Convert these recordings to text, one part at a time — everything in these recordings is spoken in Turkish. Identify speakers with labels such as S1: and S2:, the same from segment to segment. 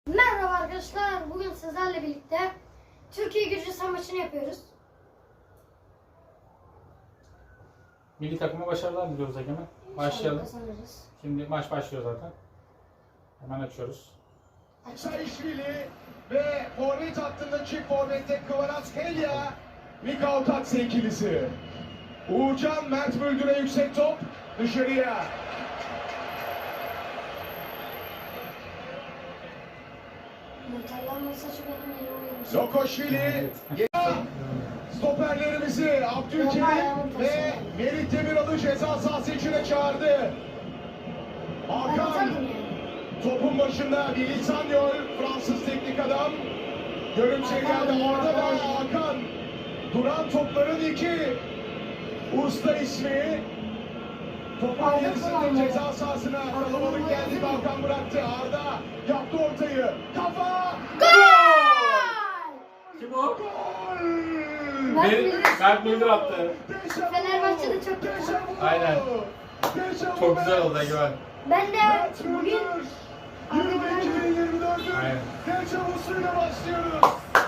S1: Merhaba arkadaşlar, bugün sizlerle birlikte Türkiye-Gürcistan maçını yapıyoruz.
S2: Milli takıma başarılar diliyoruz Egemen. Başlayalım.
S1: Kazanırız.
S2: Şimdi maç başlıyor zaten. Hemen açıyoruz.
S3: Sarışvili ve forvet hattında çift forvette Kvaratskhelia, Mikhail Tatse ikilisi. Uğurcan Mert Böldür'e yüksek top dışarıya.
S1: Muhtemelen saçı benim yeni oynamışım.
S3: Lokoşvili, stoperlerimizi Abdülkerim ve Merit Demiral'ı ceza sahası içine çağırdı. Hakan topun başında Willy Sagnol, Fransız teknik adam. Görüntüye geldi orada da Hakan. Duran topların iki usta ismi. Topun gerisinde ceza sahasına kalabalık geldi. Hakan bıraktı. Arda yaptı ortayı. Kafa!
S1: Gol!
S2: Kim o?
S3: Gol!
S2: Mert Müldür attı.
S1: Fenerbahçe'de çok kötü.
S2: Aynen. Çok güzel oldu Egemen.
S1: Ben de bugün
S3: Euro 2024'ün
S2: Aynen.
S3: deşavusuyla başlıyoruz.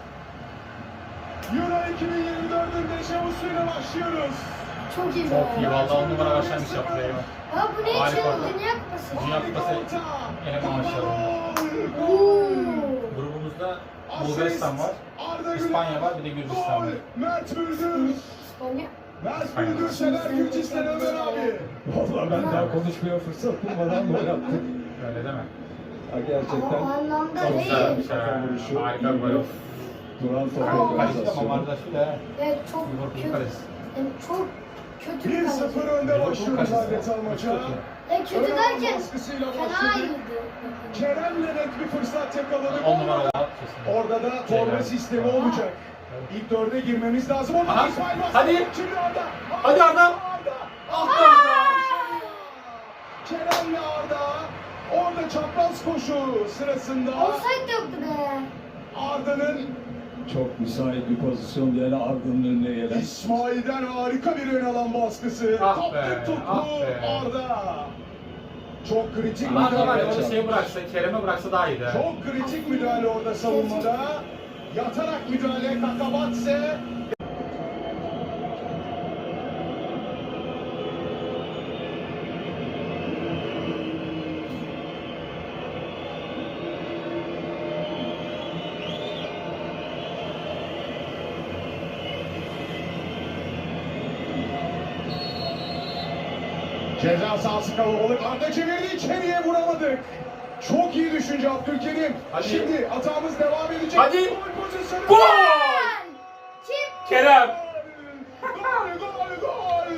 S3: Euro 2024'ün deşavusuyla başlıyoruz.
S1: çok iyi.
S2: Çok iyi. Vallahi 10 numara başlangıç yaptı Egemen.
S1: Ya bu ne için?
S2: Harika.
S1: Dünya Kupası.
S2: Dünya Kupası eleme maçları.
S1: Oo.
S2: Grubumuzda Bulgaristan var, İspanya var, bir de Gürcistan var.
S3: Mert Müldür.
S1: İspanya.
S3: Mert Müldür sever Gürcistan Ömer abi.
S4: Vallahi ben daha konuşmaya fırsat bulmadan gol attık.
S2: Öyle deme.
S4: Ha, gerçekten
S1: O anlamda
S2: Çok güzel
S1: değil.
S2: bir şey. Harika bir gol oldu.
S4: duran top
S1: Ama
S2: Kaleci de
S4: organizasyonu.
S2: Mamardaşvili ha.
S1: Evet, çok
S2: Liverpool
S1: kötü.
S2: kalesi.
S1: Yani çok kötü bir kaleci.
S3: 1-0 önde
S2: Liverpool
S3: başlıyoruz
S2: kalesi.
S3: adeta maça.
S1: Ya kötü derken
S3: Baskısıyla
S1: fena
S3: başladık.
S1: iyiydi.
S3: Kerem'le net bir fırsat yakaladık.
S2: 10 numara oldu. Kesin.
S3: Orada da torba sistemi olacak. İlk dörde girmemiz lazım. Orada
S2: Aha,
S3: İsmail Bastı.
S2: hadi.
S3: Şimdi Arda.
S2: Hadi Arda. Ah be Arda.
S3: Kerem'le Arda. Orada çapraz koşu sırasında
S1: Offside yoktu be.
S3: Arda'nın
S4: Çok müsait bir pozisyon yani Arda'nın önüne gelen.
S3: İsmail'den harika bir ön alan baskısı.
S2: Ah
S3: Kaptı
S2: be,
S3: tuttu
S2: ah be.
S3: Arda. Çok kritik
S2: Arda var
S3: müdahale.
S2: ya onu şey bıraksa, Kerem'e bıraksa daha iyiydi. ha.
S3: Çok kritik müdahale orada savunmada. Yatarak müdahale Kakabatse. Ceza sahası kalabalık. Arda çevirdi, içeriye vuramadık. Çok iyi düşünce Abdülkerim.
S2: Hadi.
S3: Şimdi hatamız devam edecek.
S2: Hadi.
S3: Gol pozisyonu.
S2: Gol!
S1: Kim?
S2: Kerem!
S3: Gol, gol, gol!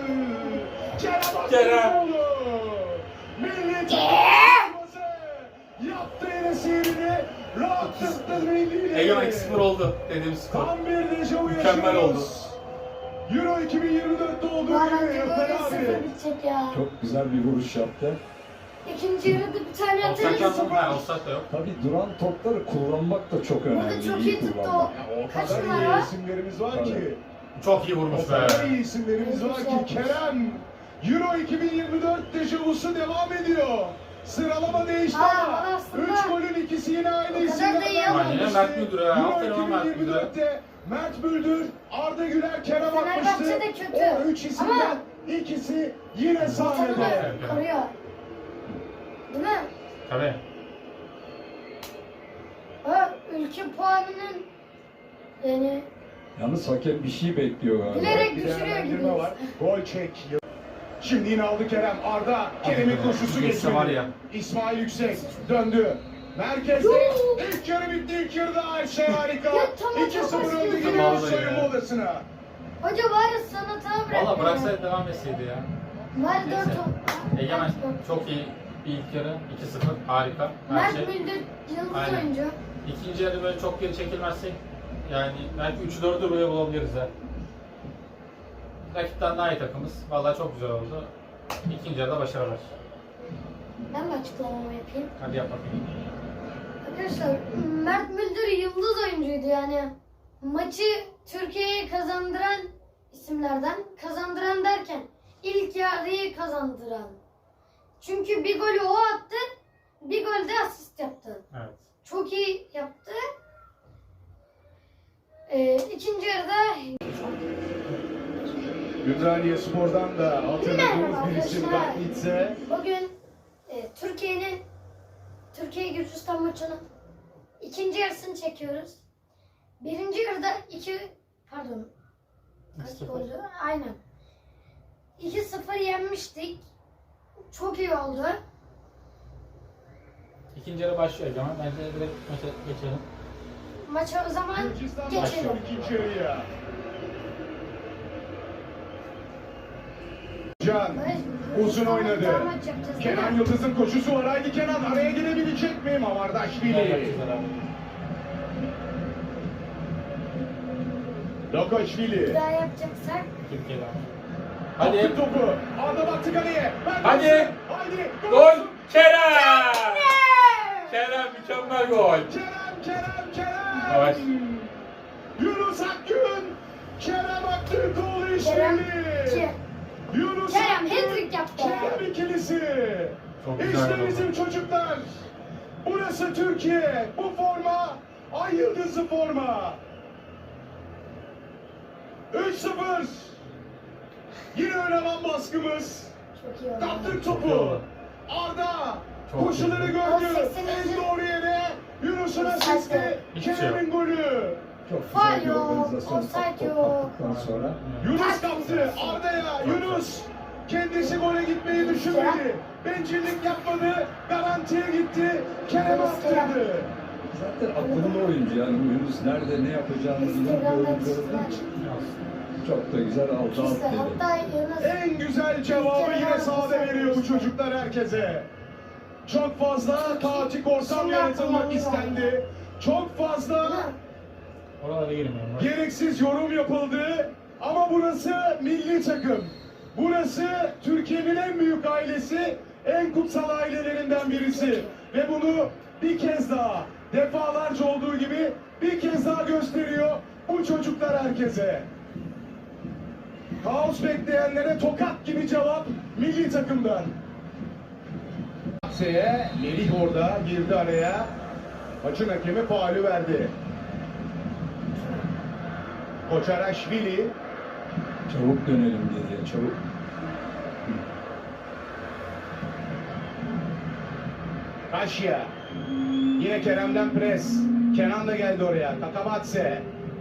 S2: Kerem!
S3: Aktürkoğlu. Milli takımımızı yaptı yine sihrini. Rahatlattı millileri.
S2: Egemen 2-0 oldu dediğimiz skor.
S3: Tam bir dejavu
S2: Mükemmel
S3: yaşıyoruz. Euro 2024'te olduğu
S1: Bu
S3: gibi
S1: arada
S3: Ömer
S1: böyle
S3: abi.
S1: sıfır bitecek ya.
S4: Çok güzel bir vuruş yaptı.
S1: İkinci yarıda bir tane
S2: Offside
S1: atarız.
S2: yok. Ha, offside de yok.
S4: Tabii duran topları kullanmak da çok önemli.
S1: Burada çok iyi tuttu o.
S4: kullanmak.
S3: Ya o
S1: Kaç
S3: kadar
S1: numara?
S3: iyi isimlerimiz var ki.
S2: Çok iyi
S3: O
S2: vurmuş be.
S3: kadar iyi isimlerimiz var ki. Kerem. Euro 2024 dejavusu devam ediyor. Sıralama değişti
S1: Aa,
S3: ama
S1: aslında
S3: 3 golün ikisi yine aynı
S1: o kadar
S3: isimlerden
S1: da iyi
S3: gelmişti.
S2: Aynen, Mert Müldür ha.
S3: Euro
S2: Aferin lan Mert Müldür'e.
S3: 2024'te Mert Müldür, Arda Güler, Kerem
S1: Fenerbahçe
S3: atmıştı.
S1: de kötü.
S3: O 3 isimden ikisi yine sahnede.
S1: Vatanı koruyor. Değil mi?
S2: Tabii.
S1: Ha, ülke puanının yani
S4: Yalnız hakem bir şey bekliyor galiba.
S1: bilerek
S3: Bir
S1: düşürüyor
S3: değerlendirme
S1: gibi.
S3: var. Gol çek. Şimdi yine aldı Kerem. Arda. Kerem'in koşusu
S2: Geçse
S3: geçti.
S2: var ya.
S3: İsmail Yüksek döndü. Merkezde
S1: Yoo!
S3: ilk yarı bitti. İlk yarıda Ayşe harika.
S1: Ya tamam,
S3: 2-0
S1: çok
S3: önde
S1: basit.
S3: giriyoruz
S2: Vallahi
S3: soyunma
S2: ya.
S3: odasına.
S1: Hoca var ya sanata bırak.
S2: Valla bıraksaydı devam etseydi ya.
S1: Var
S2: Neyse.
S1: 4 top.
S2: Egemen çok iyi bir ilk yarı. 2-0 harika. Her
S1: Mert
S2: şey.
S1: Müldür yıldız
S2: Aynen.
S1: oyuncu.
S2: İkinci yarı böyle çok geri çekilmezsek yani belki 3-4'ü buraya bulabiliriz ha. Rakipten daha iyi takımız. Vallahi çok güzel oldu. İkinci yarıda başarılar.
S1: Ben de açıklamamı yapayım.
S2: Hadi yap bakayım.
S1: Arkadaşlar Mert Müldür yıldız oyuncuydu yani. Maçı Türkiye'ye kazandıran isimlerden. Kazandıran derken ilk yarıyı kazandıran. Çünkü bir golü o attı, bir gol de asist yaptı.
S2: Evet.
S1: çok iyi yaptı. İkinci yarıda
S3: Ümraniye Spor'dan da hatırladığımız
S1: Merhaba
S3: bir isim
S1: arkadaşlar.
S3: Ragnitze.
S1: bugün Türkiye-Gürcistan maçının ikinci yarısını çekiyoruz. Birinci yarıda kaç goldü? Aynen. 2-0 yenmiştik. Çok iyi oldu.
S2: İkinci yarı başlıyor Egemen. Bence direkt maça geçelim.
S1: Maça o zaman
S3: Gürcistan
S1: geçelim.
S3: başlıyor ikinci yarıya. Can uzun oynadı.
S1: Maç yapacağız, değil
S3: Kenan
S1: mi?
S3: Yıldız'ın koşusu var. Haydi Kenan araya girebilecek mi?
S2: Güzel
S3: Mamardaşvili.
S2: yapacağız abi.
S3: Lokoşvili.
S1: Daha yapacaksak
S2: Türkiye'den.
S3: Hadi.
S2: Hadi.
S3: Topu. Arda baktı kaleye.
S2: Hadi.
S3: Haydi.
S2: Gol. Kerem. Kerem mükemmel gol.
S3: Kerem.
S2: Evet.
S3: Yunus Akgün. Kerem Aktürkoğlu
S1: Kerem
S3: işbirliği. Yunus
S1: Kerem
S3: Akgün.
S1: hat-trick yaptı.
S3: Kerem ikilisi.
S2: Çok güzel
S3: İşte
S2: oldu.
S3: bizim çocuklar. Burası Türkiye. Bu forma ay yıldızı forma. 3-0. Yine önemli baskımız.
S1: çok iyi oldu.
S3: Kaptık
S2: Çok iyi
S3: topu.
S2: oldu.
S3: Arda
S2: Çok
S3: koşuları
S2: iyi.
S3: gördü.
S1: 80.
S3: En doğru yere Yunus'un
S1: Offside
S3: asisti.
S1: yok.
S2: Hiçbir şey
S3: Kerem'in golü.
S4: Çok
S1: Faul
S4: güzel bir
S1: yok,
S4: organizasyon.
S1: offside
S4: Top
S1: yok.
S4: kaptıktan sonra
S3: Yunus kaptı. Arda'ya. Yunus kendisi gole gitmeyi düşünmedi. Bencillik yapmadı. Garantiye gitti. Kerem attırdı.
S4: zaten akıllı oyuncu yani Yunus nerede ne yapacağını bilen bir
S1: Instagram'dan
S4: oyuncu olduğu
S1: çizdiler.
S4: için çok da güzel aldı
S1: İşte
S4: attı.
S1: hatta Yunus
S3: En güzel cevabı yine sahada veriyor bu çocuklar herkese. Çok fazla kaotik ortam yaratılmak istendi. Çok fazla
S2: Oralara girmiyorum. Bak.
S3: gereksiz yorum yapıldı. Ama burası milli takım. Burası Türkiye'nin en büyük ailesi, en kutsal ailelerinden birisi. Ve bunu bir kez daha, defalarca olduğu gibi bir kez daha gösteriyor bu çocuklar herkese. Kaos bekleyenlere tokat gibi cevap milli takımdan. Melih orada girdi araya. Maçın hakemi faulü verdi. Koçaraşvili.
S4: Çabuk dönelim geriye çabuk.
S3: Kaşya. Yine Kerem'den pres. Kenan da geldi oraya. Kakabatse.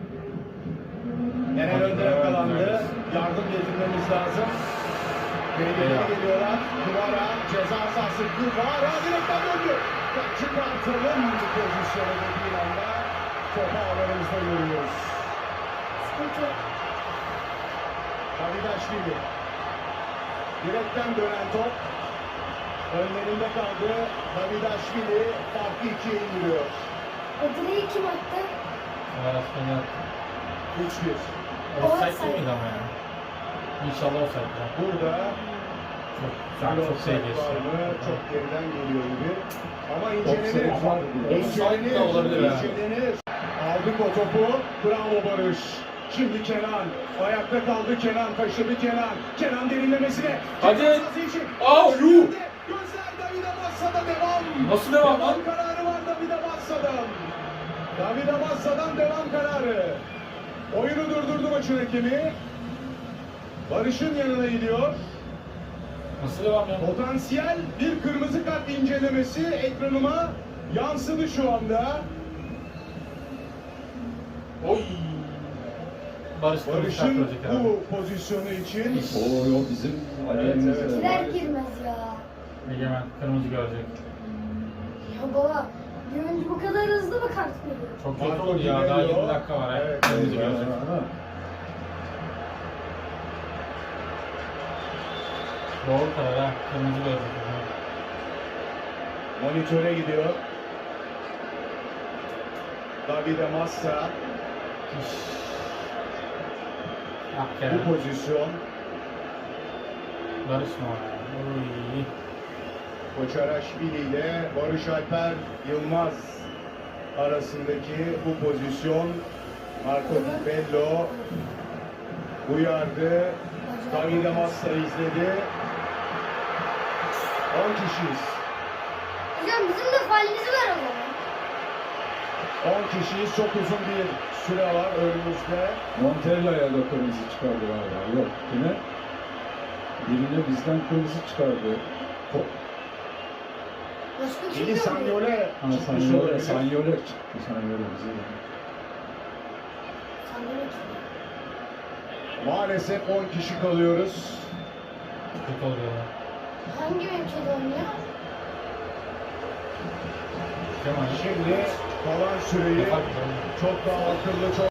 S3: Eren önde yakalandı. Yardım getirmemiz lazım. Geriye geliyorlar. Duvara. Ceza sahası. Duvara. Direkten döndü. Çıkartalım bu pozisyonu dediği anda. Topu ağlarımızda görüyoruz.
S1: sıkıntı.
S3: Davidaşvili. Direkten dönen top. Önlerinde kaldı. Davidaşvili farkı 2'ye indiriyor.
S1: O direği kim attı?
S2: Arasını yaptı.
S3: 3-1.
S2: Offside değil miydi ama ya? İnşallah offside ya.
S3: Burada
S2: Çok, şu an
S3: bir
S2: çok
S3: offside
S2: şey
S3: var
S2: geçti.
S3: mı? Çok geriden geliyor gibi. Ama
S4: Offside var
S3: incelenir.
S4: mı?
S2: Offside de olabilir ha.
S3: İncelenir. Aldık o topu. Bravo Barış. Şimdi Kenan. Ayakta kaldı Kenan. Taşıdı Kenan. Kenan derinlemesine.
S2: Hadi.
S3: Ceza sahası için.
S2: Aa, yuh.
S3: Gözler Davide Massa'da devam.
S2: Nasıl devam lan?
S3: Kararı var Davide Massa'dan. Davide Massa'dan devam kararı. Oyunu durdurdu maçın hakemi. Barış'ın yanına gidiyor.
S2: Nasıl devam ya?
S3: Potansiyel bir kırmızı kart incelemesi ekranıma yansıdı şu anda.
S2: Oy. Barış
S3: Barış'ın bu pozisyonu için
S4: O bizim aleyhimize.
S3: evet.
S1: Girer girmez ya.
S2: Egemen kırmızı görecek.
S1: Ya baba, bir oyuncu bu kadar hızlı mı kart veriyor?
S2: Çok kötü
S3: Marco
S2: oldu ya. Daha 20
S3: Gilberto.
S2: dakika var.
S3: Evet.
S2: Kırmızı görecek. Doğru karar ha. Kırmızı görecek.
S3: monitöre gidiyor. Davide Massa
S2: Ah
S3: bu
S2: Kerem.
S3: pozisyon.
S2: Barış mı o ya? Oy.
S3: Koçaraşvili ile Barış Alper Yılmaz arasındaki bu pozisyon. Marco Di Bello uyardı. Davide Massa izledi. 10 kişiyiz.
S1: Hocam bizim de failimizi ver o zaman.
S3: 10 kişiyiz. Çok uzun bir süre var önümüzde.
S4: Montella'ya da kırmızı çıkardı galiba. Yok yine. Birine bizden kırmızı çıkardı.
S1: Başka kim
S3: Eli
S1: yok?
S3: Sanyole
S4: Ha,
S3: çıkmış
S4: Sanyole
S3: olabilir.
S4: çıktı. Sanyole bize.
S1: Sanyole kim?
S3: Maalesef 10 kişi kalıyoruz.
S2: Kötü oluyor ya.
S1: Hangi ülkede oynuyor?
S2: Kemal.
S3: Şimdi kalan süreyi çok daha akıllı, çok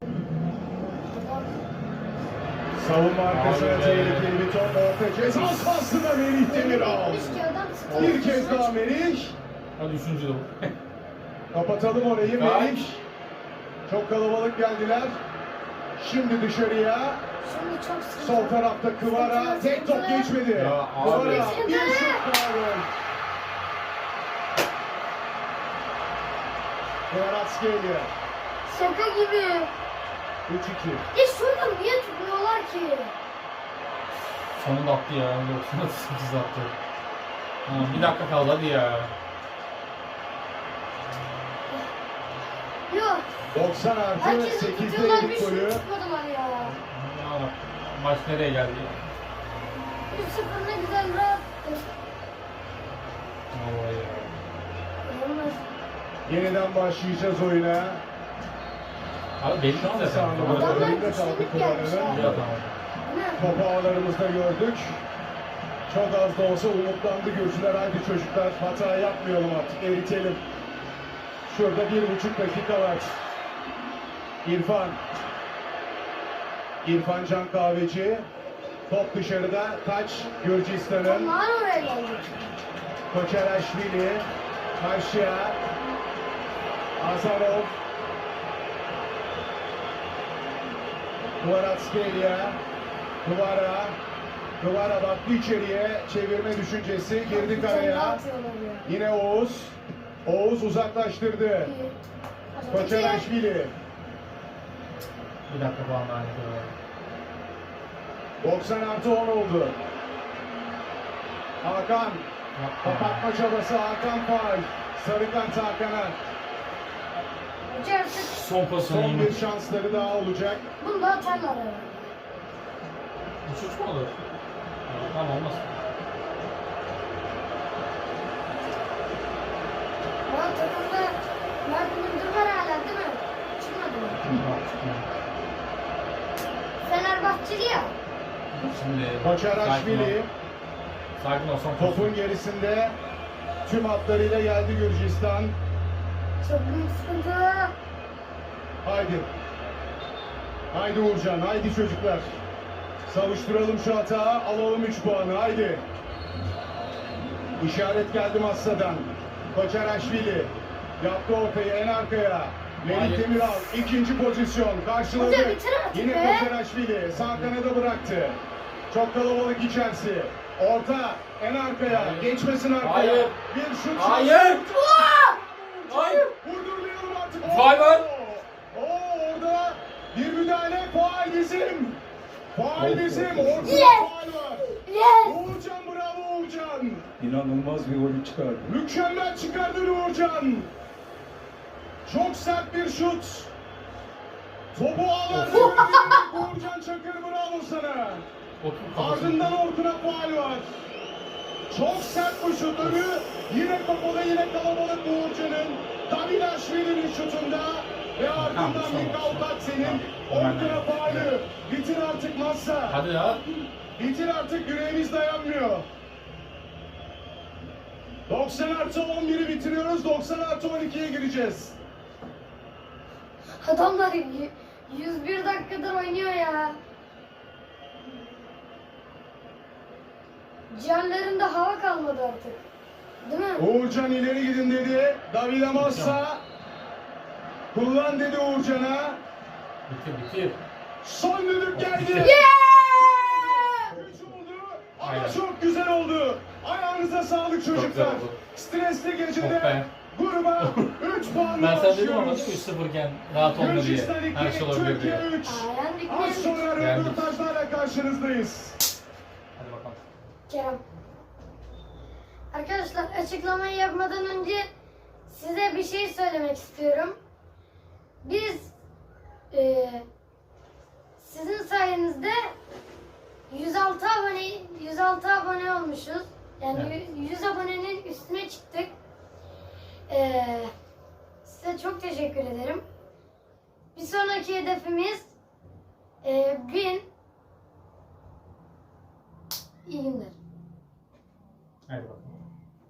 S3: savunma arkasına
S2: Abi be.
S3: tehlikeli bir top, orta ceza sahasında Melih Demiral.
S1: Gitmiş ki adam sıkılmış.
S3: Bir kez daha Melih.
S2: Hadi üçüncü de bu.
S3: Kapatalım orayı
S2: Kaç?
S3: Melih. Çok kalabalık geldiler. Şimdi dışarıya.
S1: Şimdi çok sıkıntı.
S3: Sol tarafta Kıvara. Tek top geçmedi.
S2: Ya abi.
S3: Kıvara
S1: Sıkıntı.
S3: bir şut kaldı. Kvaratskhelia.
S1: Şaka gibi.
S3: 3-2.
S1: Ya şurada niye tutmuyorlar ki?
S2: Sonunda attı ya. 98 attı. Ha, bir dakika kaldı hadi ya.
S1: Yok.
S3: 90 artı
S1: Herkesi
S3: 8'de
S1: tutuyorlar bir
S3: ilk
S1: şut
S3: golü.
S1: tutmadılar ya.
S2: Ya, maç nereye geldi ya?
S1: 3-0 ne güzel rahattı.
S2: Vallahi ya.
S1: Yalnız
S3: Yeniden başlayacağız oyuna.
S2: Abi belli
S3: Şans
S2: zaten.
S3: anı.
S2: Böyle
S1: Adamlar
S3: Önünde kaldı
S1: güçlülük
S3: Kıvara'nın.
S1: gelmiş ya.
S2: iyi adam.
S1: değil mi?
S3: Topu ağlarımızda gördük. Çok az da olsa umutlandı Gürcüler. Haydi çocuklar hata yapmayalım artık, eritelim. Şurada 1,5 dakika var. İrfan Can Kahveci. Top dışarıda. Taç Gürcistan'ın.
S1: Onlar oraya geldi.
S3: Koçeraşvili. Karşıya. Azarov. Kvaratskhelia. Kıvara baktı içeriye. Çevirme düşüncesi. Girdi
S1: Bir tane
S3: karaya.
S1: daha atıyorlar ya.
S3: Yine Oğuz. Oğuz uzaklaştırdı.
S1: İyi.
S3: Koçeraşvili.
S2: Bir dakika falan daha ne
S3: 90 artı 10 oldu. Hakan. Kapatma çabası Hakan faul. Sarı kart Hakan'a.
S1: Hoca artık
S2: Son pozisyonu
S3: Son
S2: iyi
S3: bir
S2: mi?
S3: şansları daha olacak.
S1: bunu da atarlar herhalde.
S2: 3-3 mü olur? Tamam olmaz.
S1: Ama takımda Mert Müldür var hala değil mi? Çıkmadı mı? Fenerbahçeli ya.
S2: Şimdi
S3: Koçeraşvili
S2: Sakin ol son pozisyon.
S3: topun gerisinde tüm hatlarıyla geldi Gürcistan.
S1: Çok büyük sıkıntı.
S3: Haydi. Haydi Uğurcan, haydi çocuklar. Savuşturalım şu hata, alalım 3 puanı, haydi. İşaret geldi Massa'dan. Koçeraşvili yaptı ortayı en arkaya. Melih
S2: Hayır.
S3: Demiral ikinci pozisyon karşıladı.
S1: Hoca bitir artık
S3: Yine
S1: be.
S3: Koçeraşvili sağ kanada bıraktı. Çok kalabalık içerisi. Orta en arkaya.
S2: Hayır.
S3: Geçmesin arkaya.
S2: Hayır.
S3: Bir şut.
S2: Hayır. Hayır.
S3: Vurdurmayalım artık.
S2: Faul var.
S3: Orada bir müdahale. Faul bizim. Faul bizim. Ortada
S1: Yes.
S3: faul var.
S1: Yes.
S3: Uğurcan bravo Uğurcan.
S4: İnanılmaz bir golü çıkardı.
S3: Mükemmel çıkardın Uğurcan. Çok sert bir şut. Topu ağlar. Uğurcan Çakır bravo sana.
S2: Otur kafasını.
S3: Ardından Orkun'a faul var. Çok sert bu şut. Önü yine kapalı, yine kalabalık Uğurcan'ın. Davidaşvili'nin şutunda ve ardından
S2: Tamam,
S3: Mikal senin
S2: tamam.
S3: Orkun'a faulü. Bitir artık Massa.
S2: Hadi ya.
S3: Bitir artık, yüreğimiz dayanmıyor. 90 artı 11'i bitiriyoruz. 90 artı 12'ye gireceğiz.
S1: Adamlar 101 dakikadır oynuyor ya. Ciğerlerinde hava kalmadı artık. Değil mi?
S3: Uğurcan ileri gidin dedi. Davide Massa. Kullan dedi Uğurcan'a.
S2: Bitir.
S3: Son düdük geldi.
S1: Yeah!
S3: Üç oldu ama
S2: Aynen.
S3: çok güzel oldu. Ayağınıza sağlık çocuklar.
S2: güzel oldu.
S3: Stresli
S2: Oh
S3: gecede
S2: be.
S3: gruba 3 puanla
S2: Ben sana dedim ama
S3: başlıyoruz.
S2: 3-0 iken rahat olma diye.
S3: Gürcistan 2,
S2: Her şey olabilir
S3: Türkiye
S2: diye.
S3: 3.
S1: Aa, yendik mi?
S3: Az sonra
S2: Yendik.
S3: röportajlarla karşınızdayız.
S2: Hadi bakalım.
S1: Kerem. Arkadaşlar açıklamayı yapmadan önce size bir şey söylemek istiyorum. biz sizin sayenizde 106 abone olmuşuz. Yani
S2: Evet.
S1: 100 abonenin üstüne çıktık. Size çok teşekkür ederim. Bir sonraki hedefimiz 1000.